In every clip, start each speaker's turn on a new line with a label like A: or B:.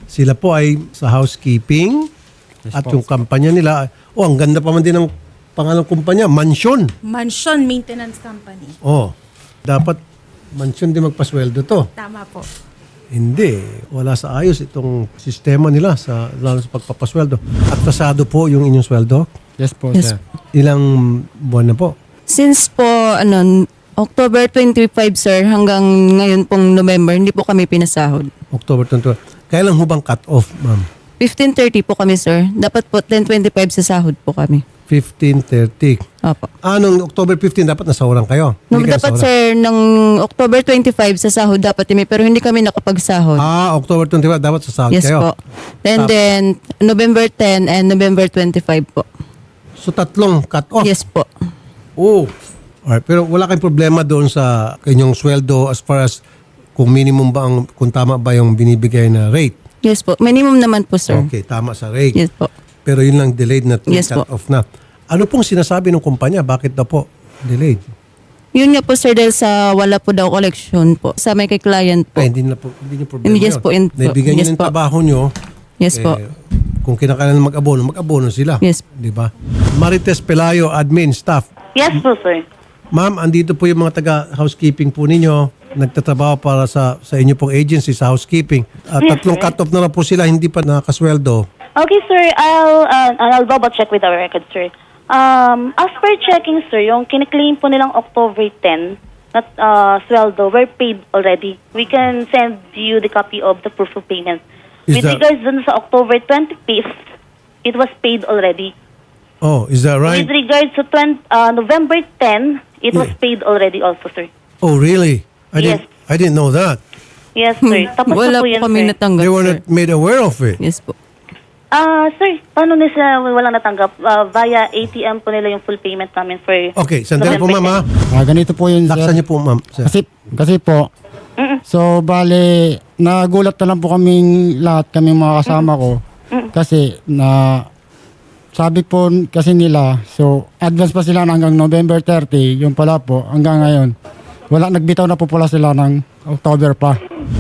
A: Sila po ay sa housekeeping at yung kampanya nila, ang ganda pa man din ng pangalang kumpanya, Mansion.
B: Mansion Maintenance Company.
A: Dapat Mansion din magpasweldo to.
B: Tama po.
A: Hindi, wala sa ayos itong sistema nila lalo sa pagpapasweldo. At pasado po yung inyong sweldo?
C: Yes po,
D: Yes.
C: sir.
A: Ilang buwan na po?
D: Since po, October 25, sir, hanggang ngayon pong November, hindi po kami pinasahod.
A: October 21. Kailan hubang cut-off, ma'am?
D: 15:30 po kami, sir. Dapat po 10:25 sa sahod po kami.
A: 15:30.
D: Opo.
A: Nung October 15, dapat nasawaran kayo?
D: Nung
A: Hindi kayo
D: dapat,
A: nasawaran?
D: sir, ng October 25 sa sahod dapat kami, pero hindi kami nakapagsahod.
A: October 25, dapat sasahod
D: Yes
A: kayo?
D: po. And then, November 10 and November 25 po.
A: So, tatlong cut-off?
D: Yes po.
A: Alright, pero wala kayong problema doon sa inyong sweldo as far as kung minimum ba kung tama ba yung binibigay na rate?
D: Yes po. Minimum naman po, sir.
A: Okay, tama sa rate.
D: Yes po.
A: Pero yun lang delayed na
D: Yes
A: cut
D: po.
A: off na. Ano pong sinasabi ng kumpanya? Bakit daw po delayed?
D: Yun nga po, sir, dahil sa wala po daw collection po. Sa may kay client po.
A: Hindi niyo problema
D: Yes
A: yun.
D: po,
A: Naibigyan niyo
D: yes
A: ng
D: po.
A: trabaho niyo.
D: Yes po.
A: Kung kinakailangan mag-abono sila.
D: Yes.
A: Di ba? Marites Pelayo, admin, staff.
E: Yes po, sir.
A: Ma'am, andito po yung mga taga-housekeeping po ninyo. Nagtatrabaho para sa inyo pong agency sa housekeeping.
E: Yes,
A: Tatlong
E: sir.
A: cut-off na po sila, hindi pa nakasweldo.
E: Okay, sir. I'll double check with our record, sir. As per checking, sir, yung kiniklaim po nilang October 10 na sweldo were paid already. We can send you the copy of the proof of payment.
A: Is
E: With
A: that-
E: regards dun sa October 25th, it was paid already.
A: Oh, is that right?
E: With regards to November 10, it was paid already also, sir.
A: Oh, really?
E: Yes.
A: I didn't know that.
E: Yes, sir. Tapos
D: Wala
E: na po
D: po
E: yan,
D: kami
E: sir.
D: natanggap,
A: They were
D: sir.
A: not made aware of it.
D: Yes po.
E: Sir, paano nila walang natanggap? Via ATM po nila yung full payment namin for...
A: Okay, sandali po, ma'am, ha?
C: Ganito po yun,
A: Laksan
C: sir.
A: niyo po, ma'am. Sir.
C: Kasi po, so bale, nagulat na lang po kaming lahat, kaming mga kasama ko. Kasi sabi po kasi nila, so advance pa sila hanggang November 30, yung pala po, hanggang ngayon. Wala, nagbitaw na po pala sila ng October pa.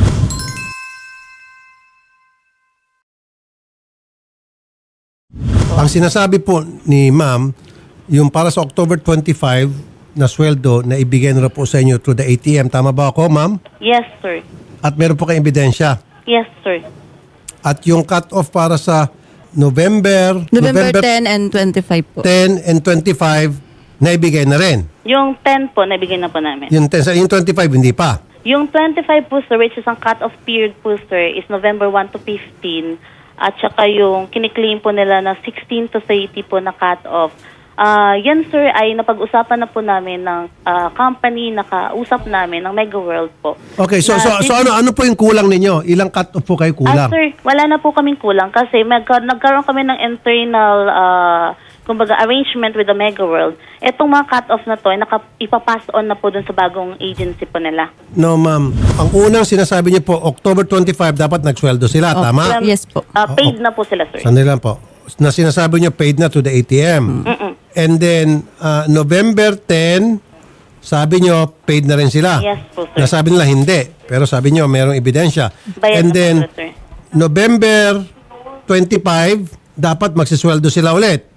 A: Ang sinasabi po ni ma'am, yung para sa October 25 na sweldo na ibigay na po sa inyo through the ATM. Tama ba ako, ma'am?
E: Yes, sir.
A: At meron po kayong ebidensya.
E: Yes, sir.
A: At yung cut-off para sa November
D: 10 and 25 po.
A: 10 and 25 na ibigay na rin.
E: Yung 10 po, nabigyan na po namin.
A: Yung 10, yung 25 hindi pa.
E: Yung 25 po, sir, which is ang cut-off period po, sir, is November 1 to 15. At saka yung kiniklaim po nila na 16 to 30 po na cut-off. Yan, sir, ay napag-usapan na po namin ng company, nakausap namin ng Mega World po.
A: Okay, so ano po yung kulang ninyo? Ilang cut-off po kayo kulang?
E: Sir, wala na po kaming kulang kasi nagkaroon kami ng internal kumbaga arrangement with the Mega World. Etong mga cut-off na to ay ipapass on na po dun sa bagong agency po nila.
A: No, ma'am. Ang unang sinasabi niyo po, October 25 dapat nagsweldo sila, tama?
D: Yes po.
E: Paid na po sila, sir.
A: Sandali lang po. Na sinasabi niyo paid na to the ATM. And then, November 10, sabi niyo paid na rin sila.
E: Yes po, sir.
A: Nasabi nila hindi. Pero sabi niyo merong ebidensya.
E: Bayad
A: And
E: na po
A: then,
E: sila, sir.
A: November 25, dapat magsisweldo sila ulit.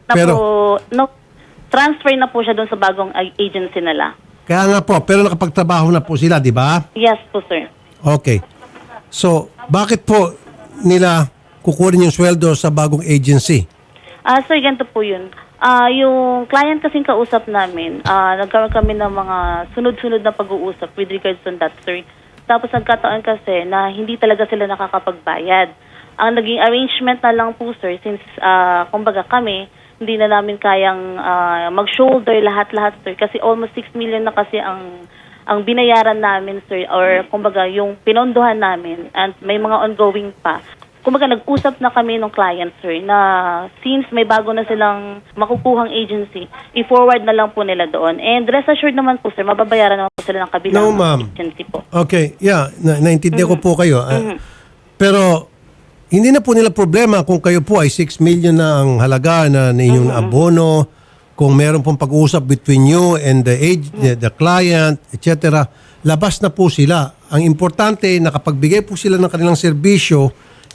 E: Transfer na po siya doon sa bagong agency nila.
A: Kaya nga po, pero nakapagtrabaho na po sila, di ba?
E: Yes po, sir.
A: Okay. So, bakit po nila kukunin yung sweldo sa bagong agency?
E: Sir, ganito po yun. Yung client kasing kausap namin, nagkaroon kami ng mga sunod-sunod na pag-uusap with regards to that, sir. Tapos nagkataon kasi na hindi talaga sila nakakapagbayad. Ang naging arrangement na lang po, sir, since kumbaga kami, hindi na namin kayang mag-shoulder lahat-lahat, sir. Kasi almost 6 million na kasi ang binayaran namin, sir, or kumbaga yung pinondohan namin and may mga ongoing pa. Kumbaga nag-usap na kami ng client, sir, na since may bago na silang makukuhang agency, i-forward na lang po nila doon. And rest assured naman po, sir, mababayaran naman po sila ng kabilang
A: No, ma'am.
E: agency po.
A: Okay, yeah, naintindihan ko po kayo. Pero hindi na po nila problema kung kayo po ay 6 million na ang halaga na inyong abono, kung meron pong pag-uusap between you and the client, etc. Labas na po sila. Ang importante, nakapagbigay po sila ng kanilang serbisyo,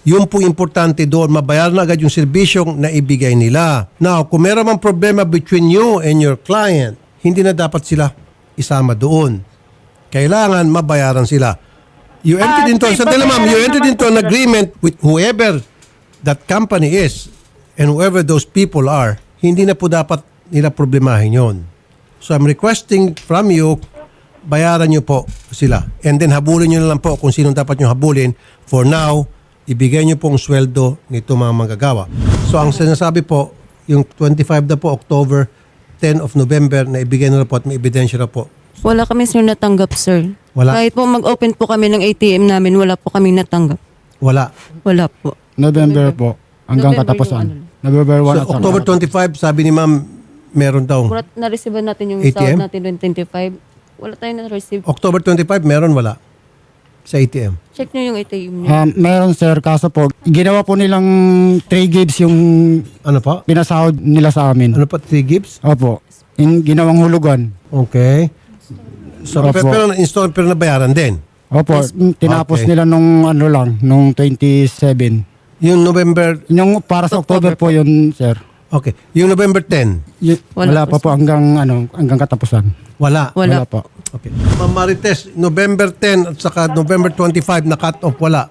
A: Yung po importante doon, mabayaran na agad yung serbisyong na ibigay nila. Now, kung meron mang problema between you and your client, hindi na dapat sila isama doon. Kailangan mabayaran sila. You entered into, sandali ma'am, you entered into an agreement with whoever that company is and whoever those people are. Hindi na po dapat nila problemahin yon. So I'm requesting from you, bayaran nyo po sila. And then habulin nyo na lang po kung sino dapat nyo habulin. For now, ibigay nyo pong sweldo nito mga manggagawa. So ang sinasabi po, yung 25 na po, October, 10 of November, na ibigay na po at may ebidensya na po.
D: Wala kami sir natanggap, sir.
A: Wala?
D: Kahit po mag-open po kami ng ATM namin, wala po kami natanggap.
A: Wala.
D: Wala po.
C: November po. Hanggang
D: November
C: katapusan.
D: yung
C: November 1
A: So
C: at saka-
A: October 25, sabi ni ma'am, meron daw.
D: Kurat na-receive natin yung
A: ATM?
D: sahod natin noong 25. Wala tayong na-receive.
A: October 25, meron wala? Sa ATM.
D: Check nyo yung ATM nyo.
C: Meron sir, kaso po, ginawa po nilang 3 gigs yung
A: Ano pa?
C: pinasahod nila sa amin.
A: Ano pa? 3 gigs?
C: Opo. Yung ginawang hulugan.
A: Okay. So,
C: Opo.
A: pero na-install, pero nabayaran din.
C: Opo, tinapos
A: Okay.
C: nila nung ano lang, nung 27.
A: Yung November,
C: Yung para sa October po yun, sir.
A: okay. Yung November 10,
C: Wala
D: Wala
C: pa po hanggang katapusan.
A: wala.
D: Wala.
C: po.
A: Okay. Ma'am Marites, November 10 at saka November 25 na cut off, wala.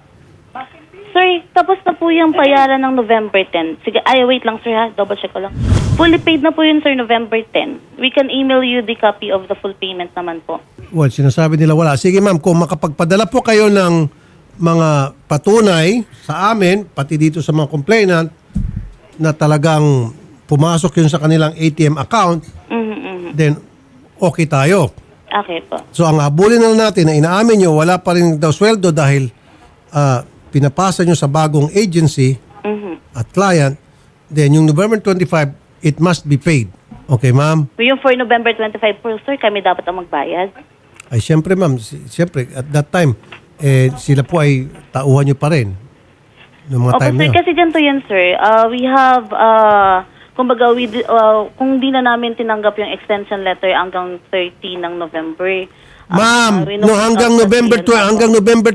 E: Sir, tapos na po yung bayaran ng November 10. Sige, wait lang sir ha, double check ko lang. Fully paid na po yun sir, November 10. We can email you the copy of the full payment naman po.
A: Well, sinasabi nila wala. Sige ma'am, kung makapagpadala po kayo ng mga patunay sa amin, pati dito sa mga complainant, na talagang pumasok yun sa kanilang ATM account, then okay tayo.
E: Okay po.
A: So ang habulin na natin na inaamin nyo, wala pa rin daw sweldo dahil pinapasa nyo sa bagong agency at client, then yung November 25, it must be paid. Okay, ma'am?
E: Yung for November 25 po sir, kami dapat ang magbayad.
A: Ay, siyempre, ma'am. Siyempre, at that time, sila po ay tauhan nyo pa rin. Noong mga
E: Opo
A: time na
E: sir,
A: yun.
E: kasi ganito yan sir. We have, kumbaga, kung di na namin tinanggap yung extension letter hanggang 30 ng November.
A: Ma'am, no, hanggang November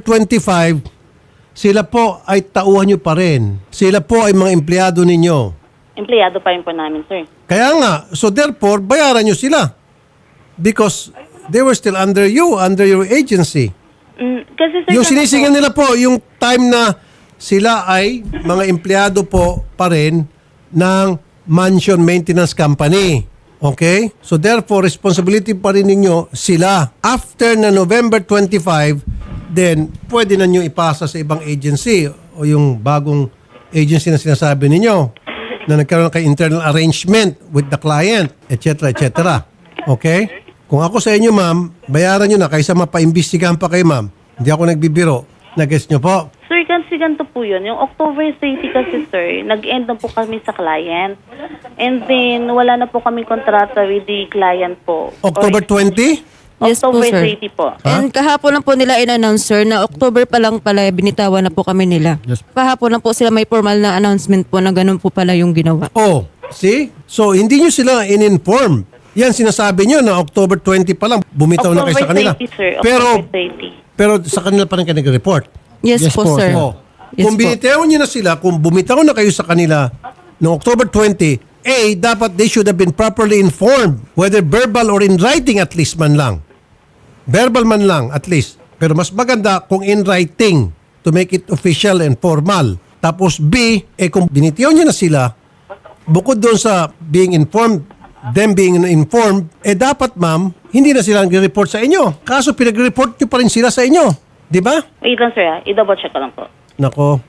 A: 25, sila po ay tauhan nyo pa rin. Sila po ay mga empleyado ninyo.
E: Empleyado pa rin po namin sir.
A: Kaya nga, so therefore, bayaran nyo sila. Because they were still under you, under your agency.
E: Kasi sir,
A: Yung sinisingil nila po, yung time na sila ay mga empleyado po pa rin ng mansion maintenance company. Okay? So therefore, responsibility pa rin ninyo sila. After na November 25, then pwede na nyo ipasa sa ibang agency o yung bagong agency na sinasabi ninyo na nagkaroon kay internal arrangement with the client, etc. etc. Okay? Kung ako sa inyo, ma'am, bayaran nyo na kaysa mapaimbestigahan pa kayo, ma'am. Hindi ako nagbibiro. Nag-guess nyo po?
E: Sir, kasi ganito po yun. Yung October 30 kasi sir, nag-end na po kami sa client. And then, wala na po kami kontrata with the client po.
A: October 20?
D: Yes po,
E: October
D: sir.
E: 30 po.
D: And kahapon lang po nila in-announce, sir, na October pa lang pala, binitawan na po kami nila.
C: Yes.
D: Kahapon lang po sila may formal na announcement po na ganun po pala yung ginawa.
A: Oh, see? So, hindi nyo sila in-inform. Yan, sinasabi nyo na October 20 pa lang, bumitaw na kayo sa kanila.
E: 30, sir.
A: Pero,
E: October 30.
A: pero sa kanila pa rin kayo nag-report.
D: Yes,
C: Yes
D: po,
C: po,
D: sir.
C: sir.
A: Oh.
D: Yes
A: Kung
D: po.
A: binitaw nyo na sila, kung bumitaw na kayo sa kanila noong October 20, dapat they should have been properly informed, whether verbal or in writing at least man lang. Verbal man lang at least. Pero mas maganda kung in writing to make it official and formal. Tapos B, kung binitiyaw nyo na sila, bukod doon sa being informed, them being informed, dapat ma'am, hindi na sila nag-report sa inyo. Kaso pinag-report nyo pa rin sila sa inyo. Di ba?
E: Wait lang sir ha, i-double check ko lang po.
A: Nako.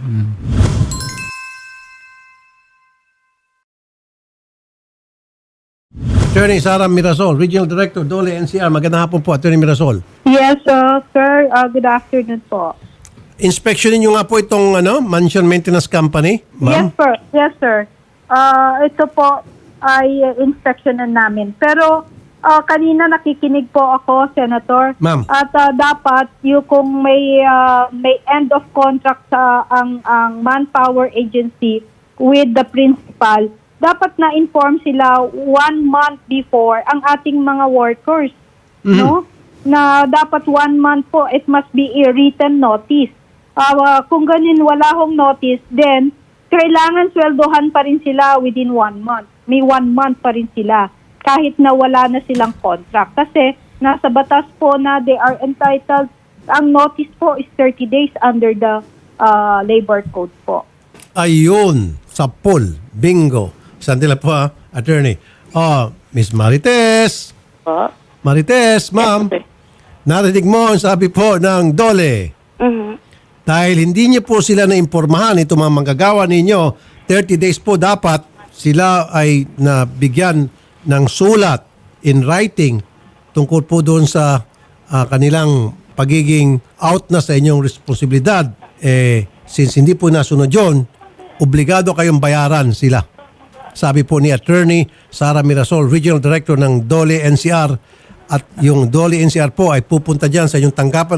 A: Attorney Sara Mirasol, Regional Director, Dole NCR. Magandang hapon po, Attorney Mirasol.
F: Yes, sir. Good afternoon po.
A: Inspeksyonin nyo nga po itong mansion maintenance company, ma'am?
F: Yes, sir. Yes, sir. Ito po ay inspectionan namin. Pero kanina nakikinig po ako, Senator.
A: Ma'am.
F: At dapat yung kung may end of contract sa ang manpower agency with the principal, dapat na-inform sila 1 month before ang ating mga workers. No? Na dapat 1 month po, it must be a written notice. Kung ganin wala hong notice, then kailangan sweldohan pa rin sila within 1 month. May 1 month pa rin sila kahit na wala na silang contract. Kasi nasa batas po na they are entitled, ang notice po is 30 days under the labor code po.
A: Ayun, sa pool. Bingo. Sandila po attorney. Miss Marites.
E: Po.
A: Marites, ma'am.
E: Yes, sir.
A: Narinig mo ang sabi po ng DOLE.
E: Mhm.
A: Dahil hindi niyo po sila naimpormahan, ito mga manggagawa ninyo, 30 days po dapat sila ay nabigyan ng sulat in writing tungkol po doon sa kanilang pagiging out na sa inyong responsibilidad. Since hindi po nasunod yun, obligado kayong bayaran sila. Sabi po ni Attorney Sara Mirasol, Regional Director ng DOLE NCR, at yung DOLE NCR po ay pupunta dyan sa inyong tanggapan,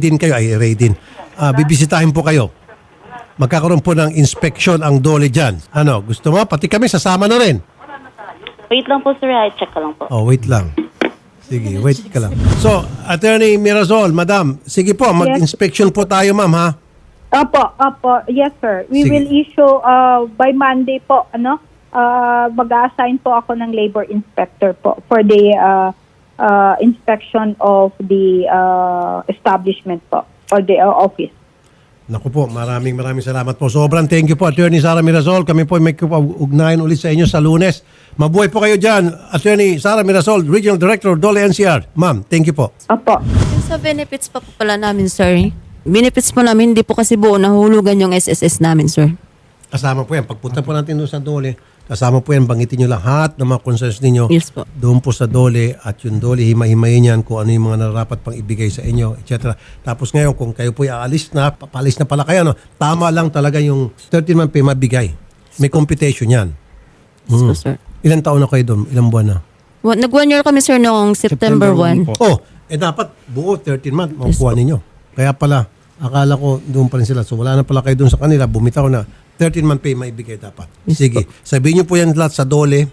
A: bibisitahin po kayo. Magkakaroon po ng inspection ang DOLE dyan. Ano, gusto mo? Pati kami sasama na rin.
E: Wait lang po, sir. I-check ka lang po.
A: Wait lang. Sige, wait ka lang. So, Attorney Mirasol, Madam, sige po, mag-inspection po tayo, ma'am, ha?
F: Opo. Yes, sir. We
A: Sige.
F: will issue by Monday po, mag-assign po ako ng labor inspector po for the inspection of the establishment po or the office.
A: Naku po, maraming salamat po. Sobrang thank you po, Attorney Sara Mirasol. Kami po may ugnayan ulit sa inyo sa Lunes. Mabuhay po kayo dyan, Attorney Sara Mirasol, Regional Director, DOLE NCR. Ma'am, thank you po.
F: Opo.
D: Yung sa benefits pa po pala namin, sir. Benefits po namin, hindi po kasi buo nahulugan yung SSS namin, sir.
A: Kasama po yan. Pagpunta po natin doon sa DOLE, kasama po yan, bangitin nyo lahat ng mga concerns ninyo.
D: Yes po.
A: Doon po sa DOLE at yung DOLE, himay-himayin yan kung ano yung mga nararapat pang ibigay sa inyo, etc. Tapos ngayon, kung kayo po aalis na, papalis na pala kayo, tama lang talaga yung 13-month pay mabigay. May computation yan.
D: Yes po, sir.
A: Ilang taon na kayo doon? Ilang buwan na?
D: Nag-1 year kami, sir, noong September 1.
C: po.
A: Dapat buo 13 month makukuha ninyo. Kaya pala, akala ko doon pa rin sila. So wala na pala kayo doon sa kanila. Bumitaw na 13-month pay maibigay dapat. Sige. Sabihin niyo po yan lahat sa DOLE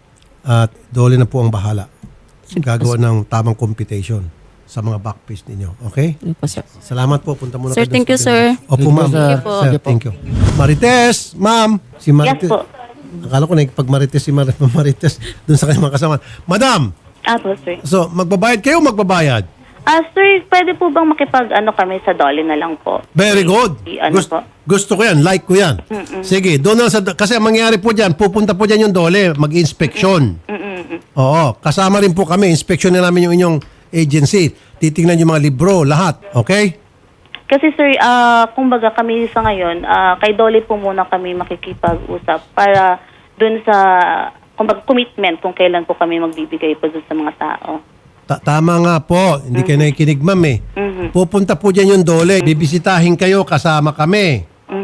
A: at DOLE na po ang bahala. Gagawa ng tamang computation sa mga backpage ninyo. Okay?
D: Yes po, sir.
A: Salamat po. Punta muna
D: Sir,
A: kayo doon
D: thank
A: sa
D: you, sir.
A: Opo,
C: Thank you,
A: ma'am.
C: sir.
D: Thank you po.
A: Sir, thank you. Marites, ma'am. Si Marites.
E: Yes po.
A: Akala ko nakikipag-Marites si Marites doon sa kanyang mga kasama. Madam,
E: Po, sir.
A: so magbabayad kayo o magbabayad?
E: Sir, pwede po bang kami sa DOLE na lang po?
A: Very good.
E: Po?
A: Gusto ko yan. Like ko yan. Sige, doon na kasi ang mangyayari po dyan, pupunta po dyan yung DOLE, mag-inspection. Oo, kasama rin po kami. Inspection na namin yung inyong agency. Titingnan yung mga libro, lahat. Okay?
E: Kasi sir, kumbaga kami sa ngayon, kay DOLE po muna kami makikipag-usap para dun sa kumbaga commitment kung kailan po kami magbibigay po dun sa mga tao.
A: Tama nga po. Hindi kayo nakikinig, ma'am eh. Pupunta po dyan yung DOLE. Bibisitahin kayo, kasama kami.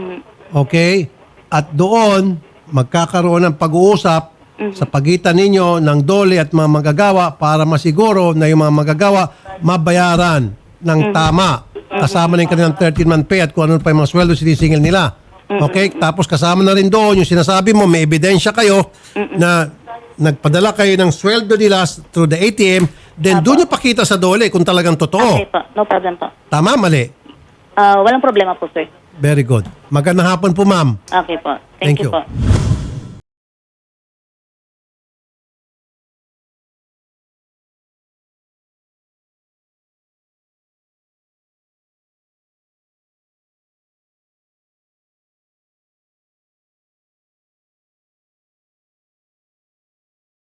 A: Okay? At doon, magkakaroon ng pag-uusap sa pagitan ninyo ng DOLE at mga manggagawa para masiguro na yung mga manggagawa mabayaran ng tama. Kasama na yung kanilang 13-month pay at kung ano pa yung mga sweldo sinisingil nila. Okay? Tapos kasama na rin doon yung sinasabi mo, may ebidensya kayo na nagpadala kayo ng sweldo nila through the ATM, then doon nyo pakita sa DOLE kung talagang totoo.
E: Okay po, no problem po.
A: Tama, mali?
E: Walang problema po, sir.
A: Very good. Magandang hapon po, ma'am.
E: Okay po. Thank you po.